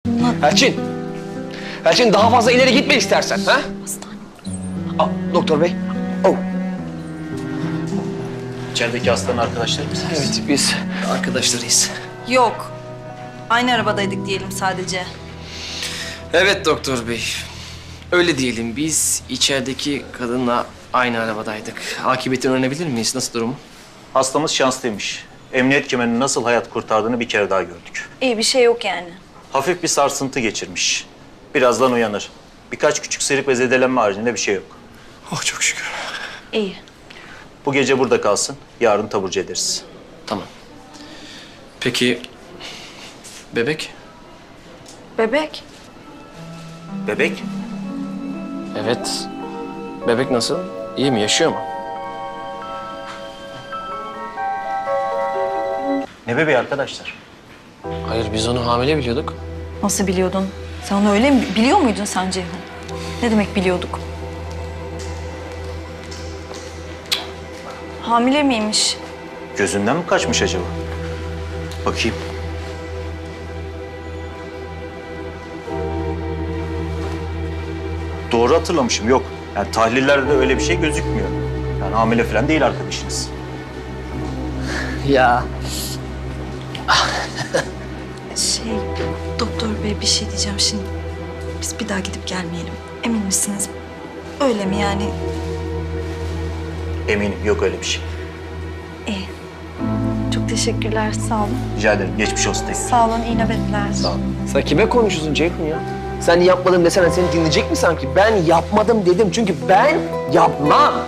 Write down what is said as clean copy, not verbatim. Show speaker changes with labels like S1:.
S1: Elçin. Elçin daha fazla ileri gitme istersen. Ha?
S2: Hastane.
S1: Doktor bey. Oh.
S3: İçerideki hastanın arkadaşları mısınız?
S1: Evet biz arkadaşlarıyız.
S2: Yok. Aynı arabadaydık diyelim sadece.
S4: Evet doktor bey. Öyle diyelim, biz içerideki kadınla aynı arabadaydık. Akıbetini öğrenebilir miyiz? Nasıl durumu?
S3: Hastamız şanslıymış. Emniyet kemerinin nasıl hayat kurtardığını bir kere daha gördük.
S2: İyi bir şey yok yani.
S3: Hafif bir sarsıntı geçirmiş. Birazdan uyanır. Birkaç küçük sıyrık ve zedelenme haricinde bir şey yok.
S1: Oh çok şükür.
S2: İyi.
S3: Bu gece burada kalsın. Yarın taburcu ederiz.
S4: Tamam. Peki, bebek?
S2: Bebek.
S3: Bebek?
S4: Evet. Bebek nasıl? İyi mi? Yaşıyor mu?
S3: Ne bebeği arkadaşlar?
S4: Hayır, biz onu hamile biliyorduk.
S2: Nasıl biliyordun? Sen onu öyle mi biliyor muydun sen Ceyhun? Ne demek biliyorduk? Hamile miymiş?
S3: Gözünden mi kaçmış acaba? Bakayım. Doğru hatırlamışım. Yok. Yani tahlillerde de öyle bir şey gözükmüyor. Yani hamile falan değil arkadaşınız.
S4: Ya.
S2: Doktor bey bir şey diyeceğim şimdi. Biz bir daha gidip gelmeyelim. Emin misiniz? Öyle mi yani?
S3: Eminim yok öyle bir şey.
S2: İyi. Çok teşekkürler. Sağ olun.
S3: Rica ederim. Geçmiş olsun tekrar.
S2: Sağ olun. İyi nöbetler.
S3: Sağ ol.
S1: Sen kime konuşuyorsun Ceyhun ya? Sen yapmadım desene seni dinleyecek mi sanki? Ben yapmadım dedim çünkü ben yapmam.